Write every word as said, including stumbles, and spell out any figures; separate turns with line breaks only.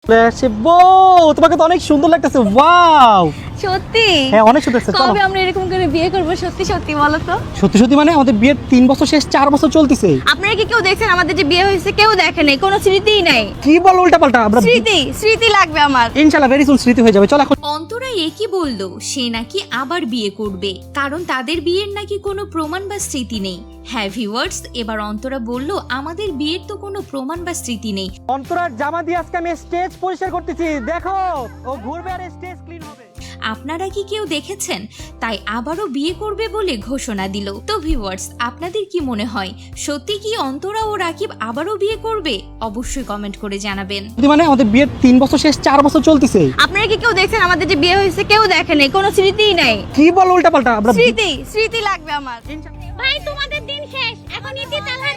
তোমাকে তো অনেক সুন্দর লাগতেছে। ওয়াও,
সত্যি?
হ্যাঁ অনেক সুন্দর লাগছে।
কবে আমরা এরকম করে বিয়ে করব? সত্যি সত্যি বলো তো।
সত্যি সত্যি মানে আমাদের বিয়ের তিন বছর শেষ, চার বছর চলতেছে।
আপনারা কি কেউ দেখছেন আমাদের যে বিয়ে হয়েছে? কেউ দেখে নাই, কোনো স্মৃতিই নাই।
কি বল উল্টা পাল্টা? আমরা
স্মৃতি স্মৃতি লাগবে আমার।
ইনশাআল্লাহ ভেরি সুন স্মৃতি হয়ে যাবে। চল এখন।
অন্তরা একই বলল সে নাকি আবার বিয়ে করবে, কারণ তাদের বিয়ের নাকি কোনো প্রমাণ বা স্মৃতি নেই। হ্যাঁ ভিউয়ার্স, এবার অন্তরা বলল আমাদের বিয়ের তো কোনো প্রমাণ বা স্মৃতি নেই।
অন্তরার জামা দিয়ে আজকে আমি স্টেজ পরিষ্কার করতেছি। দেখো ও ঘুরবে আর স্টেজ ক্লিন হবে।
আপনারা কি কেউ দেখেছেন? তাই আবারও বিয়ে করবে বলে ঘোষণা দিল। তো ভিউয়ার্স, আপনাদের কি মনে হয় সত্যি কি অন্তরা ও রাকিব আবারও বিয়ে করবে? অবশ্যই কমেন্ট করে জানাবেন।
মানে আমাদের বিয়ের তিন বছর শেষ, চার বছর চলতেছে।
আপনারা কি কেউ দেখছেন আমাদের যে বিয়ে হয়েছে? কেউ দেখে নাই, কোনো স্মৃতিই নাই।
কি বল উল্টা পাল্টা? আমরা
স্মৃতি স্মৃতি লাগবে আমার।
ভাই তোমাদের দিন শেষ, এখন ইতি তালহার